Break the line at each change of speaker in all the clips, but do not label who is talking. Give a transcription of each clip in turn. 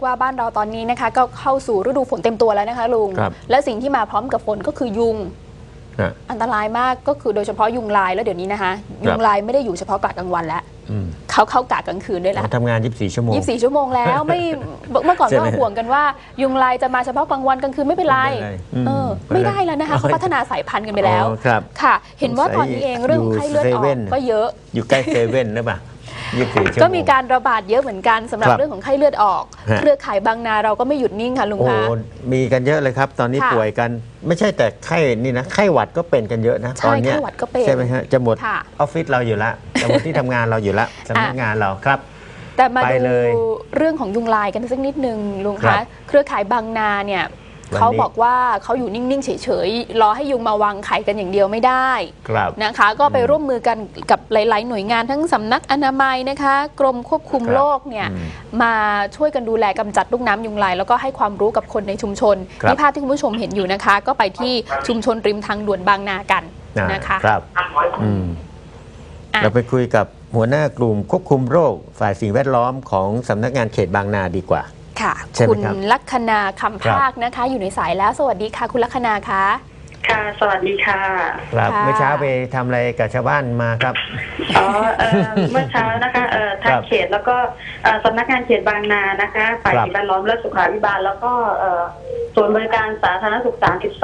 ว่าบ้านเราตอนนี้นะคะก็เข้าสู่ฤดูฝนเต็มตัวแล้วนะคะลุงและสิ่งที่มาพร้อมกับฝนก็คือยุงอันตรายมากก็คือโดยเฉพาะยุงลายแล้วเดี๋ยวนี้นะคะยุงลายไม่ได้อยู่เฉพาะกะกลางวันแล้วเขาเข้ากะกลางคืนด้วยแล้ว
ทำงาน24 ชั่วโมง
24 ชั่วโมงแล้วไม่เมื่อก่อนก็ห่วงกันว่ายุงลายจะมาเฉพาะกลางวันกลางคืนไม่เป็นไรไม่ได้แล้วนะคะเขาพัฒนาสายพันธุ์กันไปแล้วค่ะเห็นว่าตอนนี้เองเรื่องของไข้เลือดออกก็เยอะ
อยู่ใกล้เซเว่นหรือเปล่า
ก็มีการระบาดเยอะเหมือนกันสำหรับเรื่องของไข้เลือดออกเครือข่ายบางนาเราก็ไม่หยุดนิ่งค่ะลุงคะ
มีกันเยอะเลยครับตอนนี้ป่วยกันไม่ใช่แต่ไข้นี่นะไข้หวัดก็เป็นกันเยอะนะตอนนี้ใช่ไหมฮะจะหมดออฟฟิศเราอยู่ละจะหมดที่ทำงานเราอยู่ละสำนักงานเราครับ
แต่มาดูเรื่องของยุงลายกันสักนิดนึงลุงคะเครือข่ายบางนาเนี่ยเขาบอกว่าเขาอยู่นิ่งๆเฉยๆรอให้ยุงมาวางไข่กันอย่างเดียวไม่ได้นะคะก็ไปร่วมมือกันกับหลายๆหน่วยงานทั้งสำนักอนามัยนะคะกรมควบคุมโรคเนี่ยมาช่วยกันดูแลกำจัดลูกน้ำยุงลายแล้วก็ให้ความรู้กับคนในชุมชนนี่ภาพที่คุณผู้ชมเห็นอยู่นะคะก็ไปที่ชุมชนริมทางด่วนบางนากันนะคะ
ครับเราไปคุยกับหัวหน้ากลุ่มควบคุมโรคฝ่ายสิ่งแวดล้อมของสำนักงานเขตบางนาดีกว่า
ค่ะคุณลัคนาคำภาคนะคะอยู่ในสายแล้วสวัสดีค่ะคุณลัคนาคะ
ค่ะสวัสดีค่ะ
ครับเมื่อเช้าไปทำอะไรกับชาวบ้านมาครับ
เมื่อเช้านะคะทางเขตแล้วก็สำนักงานเขตบางนานะคะฝ่ายสิ่งแวดล้อมและสุขาภิบาลแล้วก็ส่วนบริการสาธารณสุข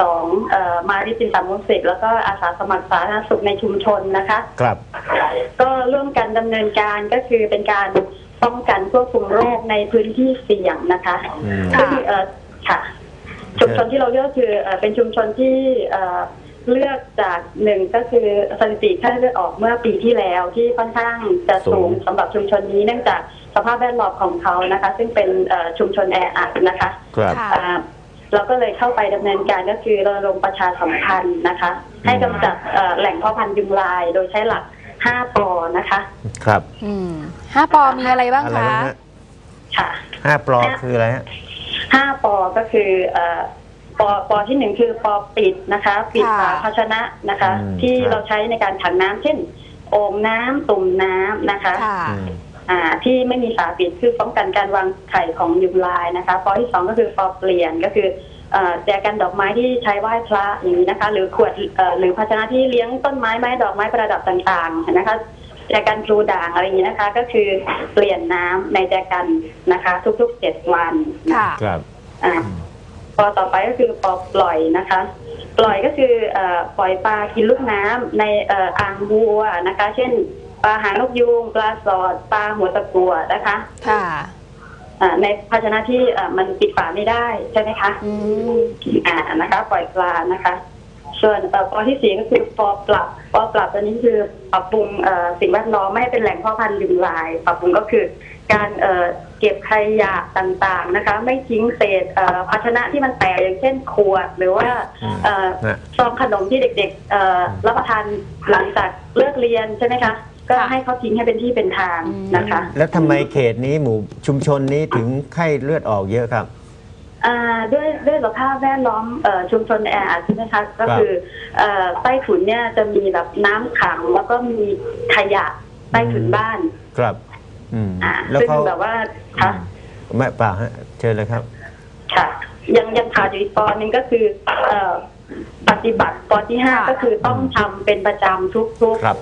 32มาริจินตามุสิกแล้วก็อาสาสมัครสาธารณสุขในชุมชนนะคะ
ครับ
ก็ร่วมกันดำเนินการก็คือเป็นการป้องกันควบคุมโรคในพื้นที่เสี่ยงนะคะซึ่งค่ะชุมชนที่เราเลือกคือเป็นชุมชนที่เลือกจากหนึ่งก็คือสถิติไข้เลือดออกเมื่อปีที่แล้วที่ค่อนข้างจะสูงสำหรับชุมชนนี้เนื่องจากสภาพแวดล้อมของเขานะคะซึ่งเป็นชุมชนแออัดนะคะเราก็เลยเข้าไปดำเนินการก็คือรณรงค์ประชาสัมพันธ์นะคะให้กำจัดแหล่งเพาะพันธุ์ยุงลายโดยใช้หลัก5 ปอนะคะ
ครับ
5 ปอมีอะไรบ้างคะ
ค่ะ
5 ปอคืออะไรฮะ
5 ปอก็คือปอที่1คือปอปิดนะคะปิดฝาภาชนะนะคะที่เราใช้ในการขังน้ำเช่นโอ่งน้ำตุ่มน้ำนะคะที่ไม่มีฝาปิดคือป้องกันการวางไข่ของยุงลายนะคะปอที่2ก็คือปอเปลี่ยนก็คือแจกันดอกไม้ที่ใช้ไหว้พระอย่างนี้นะคะหรือขวดหรือภาชนะที่เลี้ยงต้นไม้ไม้ดอกไม้ประดับต่างๆนะคะแจกันพลูด่างอะไรอย่างนี้นะคะก็คือเปลี่ยนน้ำในแจกันนะคะทุกๆ7 วัน
ครับ
ปอต่อไปก็คือปอปล่อยนะคะปล่อยก็คือปล่อยปลากินลูกน้ำในอ่างบัวนะคะเช่นปลาหางนกยูงปลาสอดปลาหัวตะกั่วนะคะ
ค่ะ
ในภาชนะที่มันปิดฝาไม่ได้ใช่ไหมคะนะคะปล่อยปลานะคะส่วนปอที่4ก็คือปอปรับตัวนี้คือปรับปรุงสิ่งแวดล้อมไม่ให้เป็นแหล่งเพาะพันธุ์ยุงลายปรับปรุงก็คือการเก็บขยะต่างๆนะคะไม่ทิ้งเศษภาชนะที่มันแตกอย่างเช่นขวดหรือว่าซองขนมที่เด็กๆรับประทานหลังจากเลิกเรียนใช่ไหมคะก็ให้เขาทิ้งให้เป็นที่เป็นทางนะคะ
แล้วทำไมเขตนี้หมู่ชุมชนนี้ถึงไข้เลือดออกเยอะครับ
ด้วยสภาพแวดล้อมชุมชนแออัดใช่ไหมคะก็คือใต้ถุนเนี่ยจะมีแบบน้ำขังแล้วก็มีขยะใต้ถุนบ้าน
ครับ
แล้วเขาแบบว่าค่ะ
ไม่เปล่าฮะเชิญเลยครับ
ค่ะยังขาดอยู่อีกปอนึงก็คือปฏิบัติปอที่5ก็คือต้องทำเป็นประจำทุก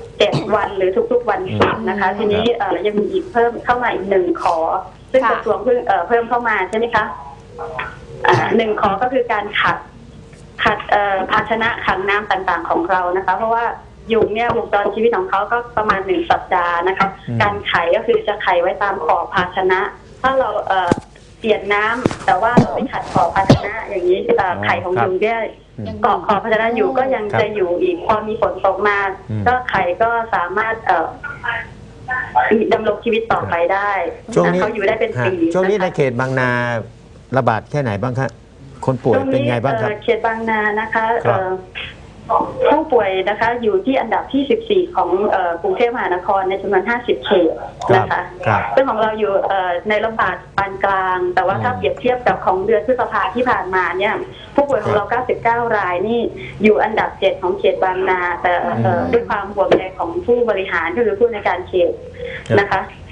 7 วันหรือทุกๆวันศุกร์นะคะทีนี้ยังมีอีกเพิ่มเข้ามาอีก1 ขอซึ่งกระทรวงเพิ่มเข้ามาใช่ไหมคะ1 ขอก็คือการขัดภาชนะขังน้ำต่างๆของเรานะคะเพราะว่ายุงเนี่ยวงจรชีวิตของเขาก็ประมาณ1 สัปดาห์นะคะการไข่ก็คือจะไข่ไว้ตามขอบภาชนะถ้าเราเปลี่ยนน้ำแต่ว่าเราไม่ขัดขอบภาชนะอย่างนี้ไข่ของยุงเนี่ยเกาะขอบภาชนะอยู่ก็ยังจะอยู่อีกพอมีฝนตกมาก็ไข่ก็สามารถดำรงชีวิตต่อไปได้เขาอยู่ได้เป็นปี
ช่วงนี้ในเขตบางนาระบาดแค่ไหนบ้างครับคนป่วยเป็นไงบ้างครับ
เขตบางนานะคะผู้ป่วยนะคะอยู่ที่อันดับที่14ของกรุงเทพมหานครในจำนวน50 เขตนะคะซึ่งของเราอยู่ในระบาดปานกลางแต่ว่าถ้าเปรียบเทียบกับของเดือนพฤษภาที่ผ่านมาเนี่ยผู้ป่วยของเรา99 รายนี่อยู่อันดับ7ของเขตบางนาแต่ด้วยความห่วงใยของผู้บริหารก็คือผู้ในการเขตนะคะ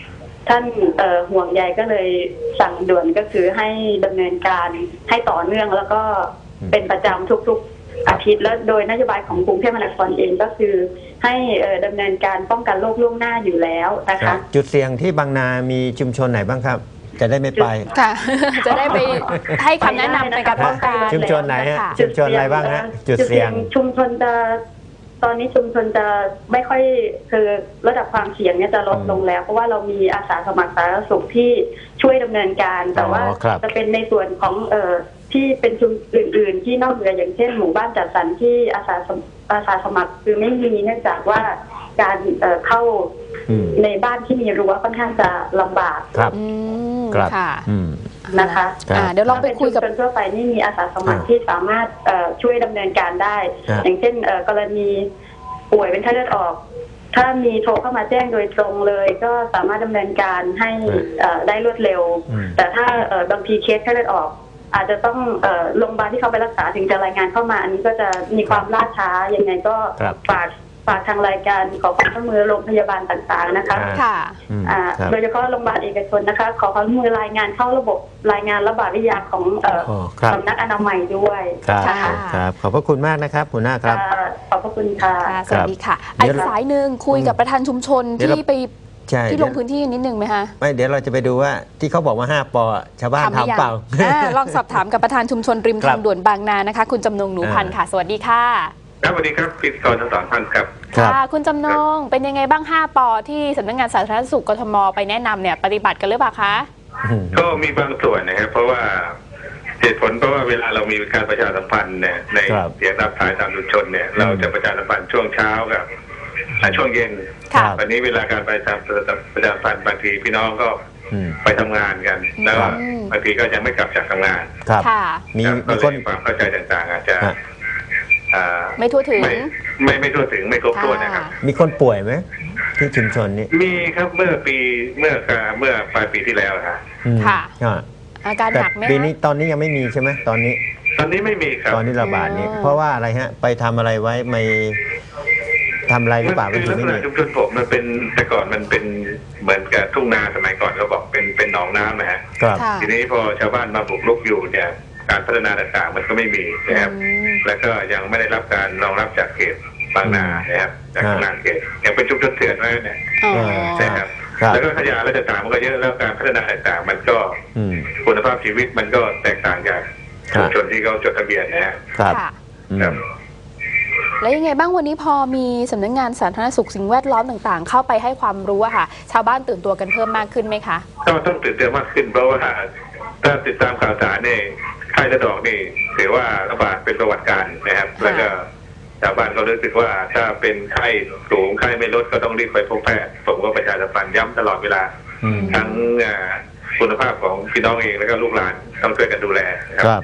ท่านห่วงใยก็เลยสั่งด่วนก็คือให้ดำเนินการให้ต่อเนื่องแล้วก็เป็นประจำทุกๆอาทิตย์แล้วโดยนโยบายของกรุงเทพมหานครเองก็คือให้ดำเนินการป้องกันโรคล่วงหน้าอยู่แล้วนะคะ
จุดเสี่ยงที่บางนามีชุมชนไหนบ้างครับจะได้ไม่ไป
ค่ะ จะได้ไปให้คำแนะนำในการป้องกัน
ชุมชนไหนฮะชุมชนอะไรบ้างฮะจุดเสี่ยง
ชุมชนจะตอนนี้ชุมชนจะไม่ค่อยคือระดับความเสี่ยงเนี่ยจะลดลงแล้วเพราะว่าเรามีอาสาสมัครสาธารณสุขที่ช่วยดำเนินการแต่ว่าจะเป็นในส่วนของที่เป็นชุมอื่นๆที่นอกเหนืออย่างเช่นหมู่บ้านจัดสรรที่อาสาสมัครคือไม่มีเนื่องจากว่าการเข้าในบ้านที่มีรั้วค่อนข้างจะลำบาก
ครับ
ค่ะนะคะ
เดี๋ยวลองไปคุยกับ
คนทั่วไปนี่มีอาสาสมัครที่สามารถช่วยดำเนินการได้อย่างเช่นกรณีป่วยเป็นไข้เลือดออกถ้ามีโทรเข้ามาแจ้งโดยตรงเลยก็สามารถดำเนินการให้ได้รวดเร็วแต่ถ้าบางทีเคสไข้เลือดออกอาจจะต้องโรงพยาบาลที่เขาไปรักษาถึงจะรายงานเข้ามาอันนี้ก็จะมีความล่าช้ายังไงก็ฝากทางรายการขอความร่วมมือโรงพยาบาลต่างๆนะคะ
ค่ะ
โดยเฉพาะโรงพยาบาลเอกชนนะคะขอความร่วมมือรายงานเข้าระบบรายงานระบาดวิทยาของสำนักอนามัยด้วย
ครับขอบพระคุณมากนะครับหัวหน้าครับ
ขอบพระคุณค่ะ
สวัสดีค่ะอีกสายหนึ่งคุยกับประธานชุมชนที่ไปที่ลงพื้นที่นิดนึงไหมคะ
ไม่เดี๋ยวเราจะไปดูว่าที่เขาบอกว่า5 ป.ชาวบ้านทำเปล่า
ลองสอบถามกับประธานชุมชนริมทางด่วนบางนานะคะคุณจำนงหนูพันธ์ค่ะสวัสดีค่ะ
ครับสวัสดีครับพิธีกรทั้ง2 ท่านครับ
ค่ะคุณจำนงเป็นยังไงบ้าง5 ป.ที่สำนักงานสาธารณสุขกทมไปแนะนำเนี่ยปฏิบัติกันหรือเปล่าคะ
ก็มีบางส่วนนะครับเพราะว่าเหตุผลเพราะว่าเวลาเรามีการประชาสัมพันธ์เนี่ยในเสียงรับสายตามชุมชนเนี่ยเราจะประชาสัมพันธ์ช่วงเช้ากับช่วงเย็นวันนี้เวลาการประชาสัมพันธ์บางทีพี่น้องก็ไปทำงานกันแล้วบางทีก็ยังไม่กลับจากทำงาน
ครับมี
คนความเข้าใจต่างๆอาจจะ
ไม่ทั่วถึง
ไม่ทั่วถึงไม่ครบถ้วนนะครับ
มีคนป่วยไหมที่ชุมชนนี้
มีครับเมื่อปลายปีที่แล้ว
ค่ะอาการหนักไหม
ปีนี้ตอนนี้ยังไม่มีใช่ไหมตอนนี้
ไม่มีครับ
ตอนนี้ระบาดนี้เพราะว่าอะไรฮะไปทำอะไรไว้ไม่ทำอะไรหรือเปล่า
คือลักษณะชุมชนผมมันเป็นแต่ก่อนมันเป็นเหมือนกับทุ่งนาสมัยก่อนเราบอกเป็นหนองน้ำนะฮะทีนี้พอชาวบ้านมาบุกรุกอยู่เนี่ยการพัฒนาต่างๆมันก็ไม่มีนะครับแล้วก็ยังไม่ได้รับการรองรับจากเขตบางนานะครับจากทางเขตยังเป็นชุมชนเถื่อนไว้เนี่ยใช่ครับแล้วก็ขยะและต่างๆมันก็เยอะแล้วการพัฒนาต่างๆมันก็คุณภาพชีวิตมันก็แตกต่างจากชุมชนที่เขาจดทะเบียน
นะครับ
แล้วยังไงบ้างวันนี้พอมีสำนักงานสาธารณสุขสิ่งแวดล้อมต่างๆเข้าไปให้ความรู้อะค่ะชาวบ้านตื่นตัวกันเพิ่มมากขึ้นไหมคะ
ก็ต้องตื่นตัวมากขึ้นเพราะว่าถ้าติดตามข่าวสารเนี่ยไข้เลือดออกนี่ถือว่าระบาดเป็นประวัติการนะครับแล้วก็ชาวบ้านก็รู้สึกว่าถ้าเป็นไข้สูงไข้ไม่ลดก็ต้องรีบไปพบแพทย์ผมก็ประชาสัมพันธ์ย้ำตลอดเวลาทั้งคุณภาพของพี่น้องเองแล้วก็ลูกหลานต้องช่วยกันดูแล
ครับ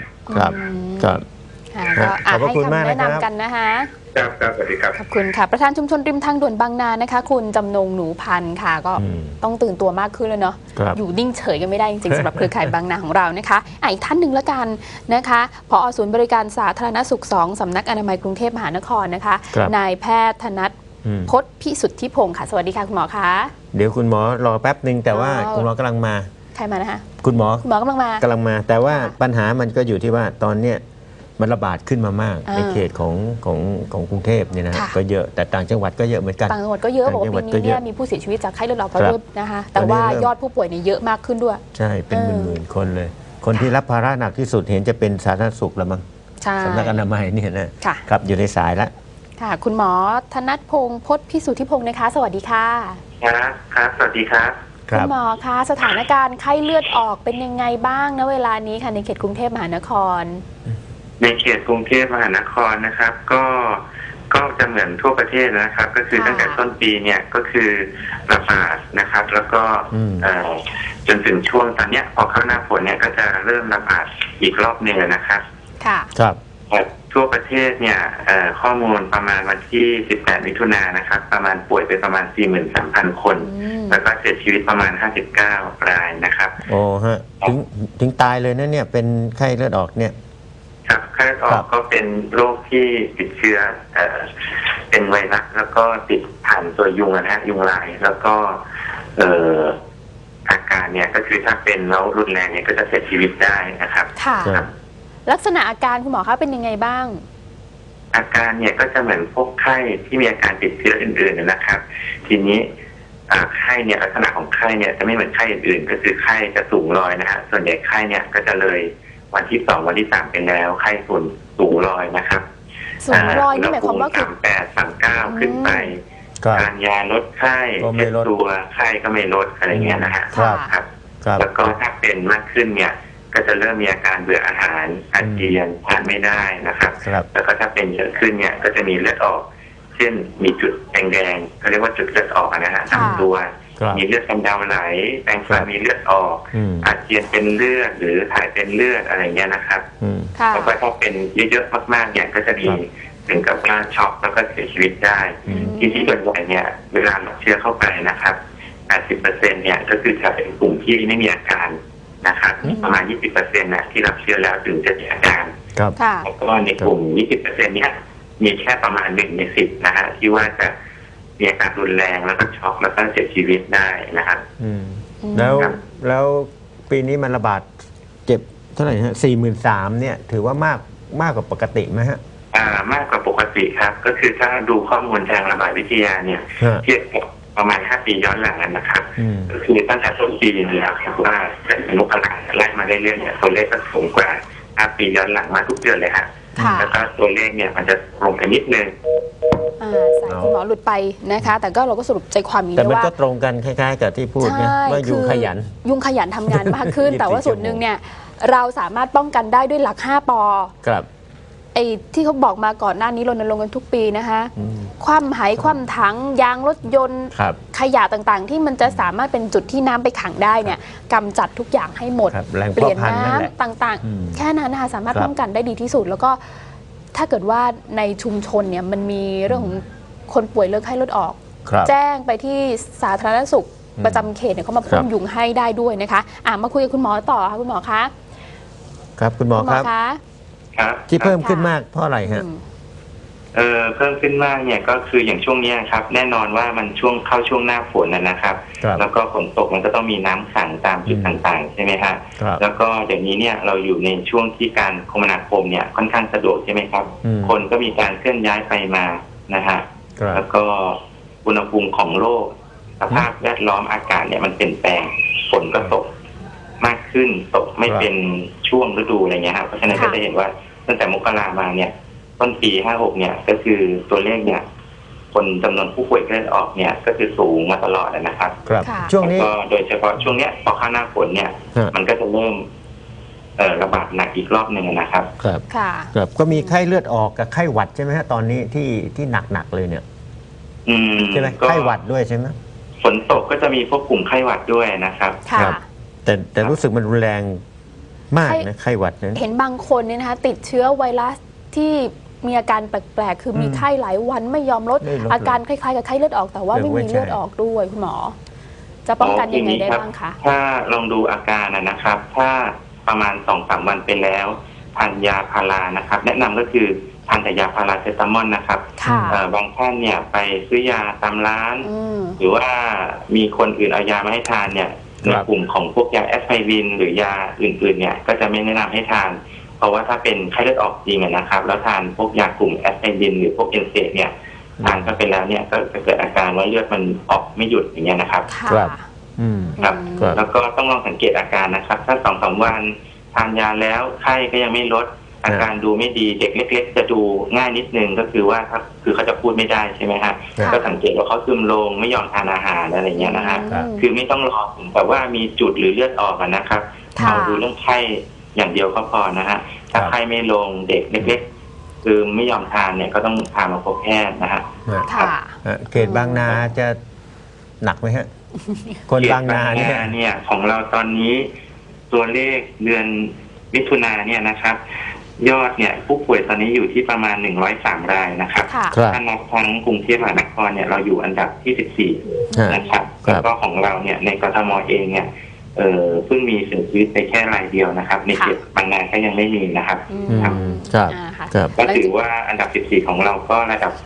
ขอบคุณมากนะครับแนะนำกันนะคะ
ครับสวัสดีครับ
ขอบคุณค่ะประธานชุมชนริมทางด่วนบางนานะคะคุณจำนงหนูพันธ์ค่ะก็ต้องตื่นตัวมากขึ้นเลยเนาะอยู่นิ่งเฉยกันไม่ได้จริงๆสำหรับเครือข่ายบางนาของเรานะคะอีกท่านหนึ่งละกันนะคะผอ.ศูนย์บริการสาธารณสุข2สำนักอนามัยกรุงเทพมหานครนะคะนายแพทย์ธนัทพจน์พิสุทธิพงศ์ค่ะสวัสดีค่ะคุณหมอคะ
เดี๋ยวคุณหมอรอแป๊บนึงแต่ว่าคุณหมอกำลังมา
ใครมานะคะ
คุณหม
อกำลังมา
แต่ว่าปัญหามันก็อยู่ที่ว่าตอนเนี้ยมันระบาดขึ้นมามากในเขตของกรุงเทพเนี่ยนะก็เยอะแต่ต่างจังหวัดก็เยอะเหมือนกัน
ต่างจังหวัดก็เยอะบอกว่าปีนี้เนี่ยมีผู้เสียชีวิตจากไข้เลือดออกเพราะด้วยนะคะแต่ว่ายอดผู้ป่วยเนี่ยเยอะมากขึ้นด้วย
ใช่เป็นหมื่นคนเลยคนที่รับภาระหนักที่สุดเห็นจะเป็นสาธารณสุขละมั้งสำนักอนามัยเนี่ยนะครับอยู่ในสายแล้ว
ค่ะคุณหมอธนัทพงศ์พจน์พิสุทธิพงศ์นะคะสวัสดีค่ะ
ครับสวัสดีครับ
คุณหมอคะสถานการณ์ไข้เลือดออกเป็นยังไงบ้างณเวลานี้ค่ะในเขตกรุงเทพมหานคร
ในเขตกรุงเทพมหานครนะครับก็จะเหมือนทั่วประเทศนะครับก็คือตั้งแต่ต้นปีเนี่ยก็คือระบาดนะครับแล้วก็จนถึงช่วงตอนเนี้ยพอเข้าหน้าฝนเนี่ยก็จะเริ่มระบาดอีกรอบหนึ่งนะครับ
ค่ะ
ครับ
ทั่วประเทศเนี่ยข้อมูลประมาณวันที่18มิถุนายนนะครับประมาณป่วยไปประมาณ 43,000 คนแล้วก็เสียชีวิตประมาณ59รายนะครับ
โอ้ฮะถึงตายเลยนะเนี่ยเป็นไข้เลือดออกเนี่ย
ครับไข้เลือดออกก็เป็นโรคที่ติดเชื้อเป็นไวรัสแล้วก็ติดผ่านตัวยุงนะฮะยุงลายแล้วก็เนี่ยก็คือถ้าเป็นแล้วรุนแรงเนี่ยก็จะเสียชีวิตได้นะครับ
ค่ะลักษณะอาการคุณหมอคะเป็นยังไงบ้าง
อาการเนี่ยก็จะเหมือนพวกไข้ที่มีอาการติดเชื้ออื่นๆนะครับทีนี้ไข้เนี่ยลักษณะของไข้เนี่ยจะไม่เหมือนไข้อื่นๆก็คือไข้จะสูงลอยนะฮะส่วนใหญ่ไข้เนี่ยก็จะเลยวันที่ 2วันที่ 3เป็นแล้วไข้สูงลอยนะครับ
สูงลอยนี่หมายความว่าคือ
38 39ขึ้นไปการยาลดไข้เช็ดตัวไข้ก็ไม่ลดอะไรเงี้ยนะฮะครับแล้วก็ถ้าเป็นมากขึ้นเนี่ยก็จะเริ่มมีอาการเบื่ออาหารอาเจียนทานไม่ได้นะครับแล้วก็ถ้าเป็นเยอะขึ้นเนี่ยก็จะมีเลือดออกเช่นมีจุดแดงๆเขาเรียกว่าจุดเลือดออกนะฮะตามตัวมีเลือดกำเดาไหลแปรงฟันมีเลือดออกอาเจียนเป็นเลือดหรือถ่ายเป็นเลือดอะไรเงี้ยนะครับแล้วก็ถ้าเป็นเยอะๆมากๆเนี่ยก็จะมีถึงกับว่าช็อกแล้วก็เสียชีวิตได้ที่ส่วนใหญ่เนี่ยเวลารับเชื้อเข้าไปนะครับ 80% เนี่ยก็คือจะเป็นกลุ่มที่ไม่มีอาการนะครับประมาณ 20% นะที่รับเชื้อแล้วถึงจะมีอาการแล้วก็ในกลุ่ม 20% เนี่ยมีแค่ประมาณ1 ใน 10นะฮะที่ว่าจะมีอาการรุนแรงแล้วก็ช็อกแล้วก็เสียชีวิตได้นะครับ
แล้วปีนี้มันระบาดเจ็บเท่าไหร่ฮะ 43,000 เนี่ยถือว่ามากกว่าปกติไหมฮะ
มากกว่าปกติครับก็คือถ้าดูข้อมูลทางระบาดวิทยาเนี่ยเทียบกับประมาณ5 ปีย้อนหลังนะครับก็คือตั้งแต่ต้นปีนี่ครับว่าเป็นมกราไล่มาเรื่อยๆเนี่ยตัวเลขก็สูงกว่า5 ปีย้อนหลังมาทุกเดือนเลยฮะแล้วก็ตัวเลขเนี่ยมันจะลงไปนิดนึง
สายคุณหมอหลุดไปนะคะแต่ก็เราก็สรุปใจความนี้ว่า
แต่มันก็ตรงกันคล้ายๆกับที่พูดนะว่ายุงขยัน
ทำงานมากขึ้น แต่ว่าส่วนหนึ่งเนี่ยเราสามารถป้องกันได้ด้วยหลัก5 ป.
ครับ
ไอ้ที่เขาบอกมาก่อนหน้านี้รณรงค์กันทุกปีนะคะคว่ำหายคว่ำถังยางรถยนต์ขยะต่างๆที่มันจะสามารถเป็นจุดที่น้ำไปขังได้เนี่ยกำจัดทุกอย่างให้หมดเปลี่ยนน้ำต่างๆแค่นั้นนะคะสามารถป้องกันได้ดีที่สุดแล้วก็ถ้าเกิดว่าในชุมชนเนี่ยมันมีเรื่องของคนป่วยเลือดไข้เลือดออกแจ้งไปที่สาธารณสุขประจำเขตเนี่ยเขามาพ่นยุงให้ได้ด้วยนะคะมาคุยกับคุณหมอต่อค่ะคุณหมอคะ
ครับคุณหมอครับที่เพิ่มขึ้นมากเพราะอะไรฮะ
เพิ่มขึ้นมากเนี่ยก็คืออย่างช่วงนี้ครับแน่นอนว่ามันเข้าช่วงหน้าฝนนะครับแล้วก็ฝนตกมันก็ต้องมีน้ำขังตามจุดต่างๆใช่ไหมฮะแล้วก็เดี๋ยวนี้เนี่ยเราอยู่ในช่วงที่การคมนาคมเนี่ยค่อนข้างสะดวกใช่ไหมครับคนก็มีการเคลื่อนย้ายไปมานะฮะแล้วก็อุณหภูมิของโลกสภาพแวดล้อมอากาศเนี่ยมันเปลี่ยนแปลงฝนก็ตกมากขึ้นตกไม่เป็นช่วงฤดูอะไรเงี้ยครับเพราะฉะนั้นก็จะเห็นว่าตั้งแต่มกรามาเนี่ยต้นปี56เนี่ยก็คือตัวเลขเนี่ยคนจำนวนผู้ป่วยเลือดออกเนี่ยก็คือสูงมาตลอดนะครับ
ช่วงนี้
ก็โดยเฉพาะช่วงเนี้ยพอเข้าหน้าฝนเนี่ยมันก็จะเริ่มระบาดหนักอีกรอบหนึ่งนะครับ
ครับก็มีไข้เลือดออกกับไข้หวัดใช่ไหมฮะตอนนี้ที่หนักเลยเนี่ยใช่ไหมไข้หวัดด้วยใช่ไหม
ฝนตกก็จะมีพวกกลุ่มไข้หวัดด้วยนะครับ
แต่รู้สึกมันรุนแรงมากนะไข้หวัดเนี่ย
เห็นบางคนเนี่ยนะคะติดเชื้อไวรัสที่มีอาการแปลกๆคือมีไข้หลายวันไม่ยอมลดอาการคล้ายๆกับไข้เลือดออกแต่ว่าไม่มีเลือดออกด้วยคุณหมอจะป้องกันยังไงได้บ้างคะ
ถ้าลองดูอาการนะครับถ้าประมาณ 2-3 วันไปแล้วทานยาพารานะครับแนะนำก็คือทานแต่ยาพาราเซตามอลนะครับบางท่านเนี่ยไปซื้อยาตามร้านหรือว่ามีคนอื่นเอายามาให้ทานเนี่ยในกลุ่มของพวกยาแอสไพรินหรือยาอื่นๆเนี่ยก็จะไม่แนะนำให้ทานเพราะว่าถ้าเป็นไข้เลือดออกจริงนะครับแล้วทานพวกยากลุ่มแอสไพรินหรือพวกเอนเซเนี่ยทานเข้าไปแล้วเนี่ยก็จะเกิดอาการว่าเลือดมันออกไม่หยุดอย่างเงี้ยนะครับ
ครับ
แล้วก็ต้องลองสังเกตอาการนะครับถ้า 2-3 วันทานยาแล้วไข้ก็ยังไม่ลดอาการดูไม่ดีเด็กเล็กๆจะดูง่ายนิดนึงก็คือว่าคือเขาจะพูดไม่ได้ใช่ไหมฮะก็สังเกตว่าเขาซึมลงไม่ยอมทานอาหารอะไรเงี้ยนะฮะคือไม่ต้องรอถึงแบบว่ามีจุดหรือเลือดออกนะครับเอาดูเรื่องไข้อย่างเดียวก็พอนะฮะถ้าไข้ไม่ลงเด็กเล็กๆคือไม่ยอมทานเนี่ยก็ต้องพามาพบแพทย์นะฮะ
เขตบางนาจะหนักไหมฮะคนบางนา
เนี่ยของเราตอนนี้ตัวเลขเดือนมิถุนาเนี่ยนะครับยอดเนี่ยผู้ป่วยตอนนี้อยู่ที่ประมาณ103 รายนะครับถ้านับทั้งกรุงเทพมหานครเนี่ยเราอยู่อันดับที่14นะครับแล้วก็ของเราเนี่ยในกทมเองเนี่ยเพิ่งมีเสียชีวิตไปแค่รายเดียวนะครับในเขตบางนาก็ยังไม่มีนะครับ
ครับ
ก็ถือว่าอันดับ14ของเราก็ระดับ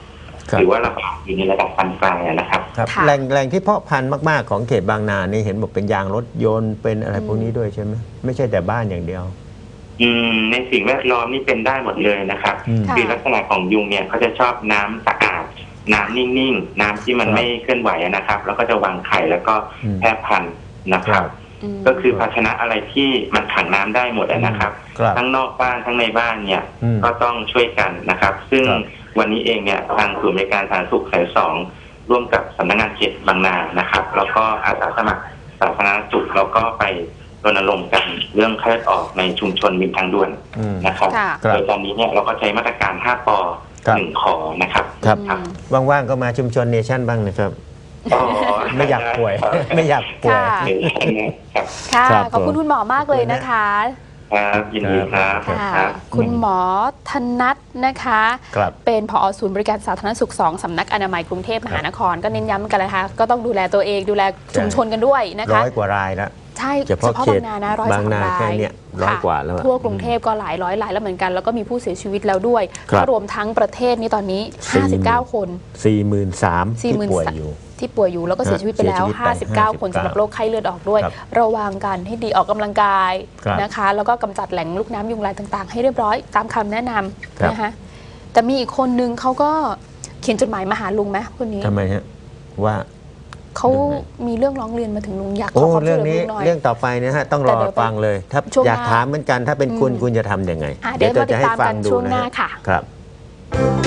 หรือว่าระบาดอยู่ในระดับปานกลางนะครับ
แหล่งที่เพาะพันธุ์มากๆของเขตบางนานี่เห็นบอกเป็นยางรถยนต์เป็นอะไรพวกนี้ด้วยใช่ไหมไม่ใช่แต่บ้านอย่างเดียว
ในสิ่งแวดล้อมนี่เป็นได้หมดเลยนะครับคือลักษณะของยุงเนี่ยเขาจะชอบน้ำสะอาดน้ำนิ่งๆน้ำที่มันไม่เคลื่อนไหวนะครับแล้วก็จะวางไข่แล้วก็แพร่พันธุ์นะครับก็คือภาชนะอะไรที่มันขังน้ำได้หมดนะครับทั้งนอกบ้านทั้งในบ้านเนี่ยก็ต้องช่วยกันนะครับซึ่งวันนี้เองเนี่ยทางศูนย์บริการสาธารณสุขสาย2ร่วมกับสำนักงานเขตบางนานะครับแล้วก็อาสาสมัครสาธารณสุขแล้วก็ไปรณรงค์กันเรื่องไข้เลือดออกในชุมชนริมทางด่วนนะครับโดยตอนนี้เนี่ยเราก็ใช้มาตรการ5 ป 1 ขอนะครับ
ว่างๆก็มาชุมชนเนชั่นบ้างนะครับไม่อยากป่วยไม่อยากป่วย
ค่ะขอบคุณคุณหมอมากเลยนะคะ
ยินดีครับ
คุณหมอธนัทนะคะเป็นผอ.ศูนย์บริการสาธารณสุข2สำนักอนามัยกรุงเทพมหานครก็เน้นย้ำกันเลยค่ะก็ต้องดูแลตัวเองดูแลชุมชนกันด้วยนะคะ
100 กว่ารายแล้ว
ใช่เฉพาะบางนานะ103 ราย
100 กว่าแล้ว
ทั่วกรุงเทพก็หลายร้อยรายแล้วเหมือนกันแล้วก็มีผู้เสียชีวิตแล้วด้วยรวมทั้งประเทศนี้ตอนนี้59 คน
43,000
ที่ป่วยอยู่แล้วก็เสียชีวิตไปแล้ว59 คนสำหรับโรคไข้เลือดออกด้วยระวังกันให้ดีออกกำลังกายนะคะแล้วก็กำจัดแหล่งลูกน้ำยุงลายต่างๆให้เรียบร้อยตามคำแนะนำนะคะแต่มีอีกคนนึงเขาก็เขียนจดหมายมาหาลุงไหมคนนี้
ทำไมฮะว่า
เขามีเรื่องร้องเรียนมาถึงลุงอยากขอ
ความช่วยเหลือลุงหน่อยเรื่องต่อไปนะฮะต้องรอฟังเลยถ้าอยากถามเหมือนกันถ้าเป็นคุณจะทำยังไง
เดี๋ยวจะให้ฟังดูช่วงหน้าค่ะ
ครับ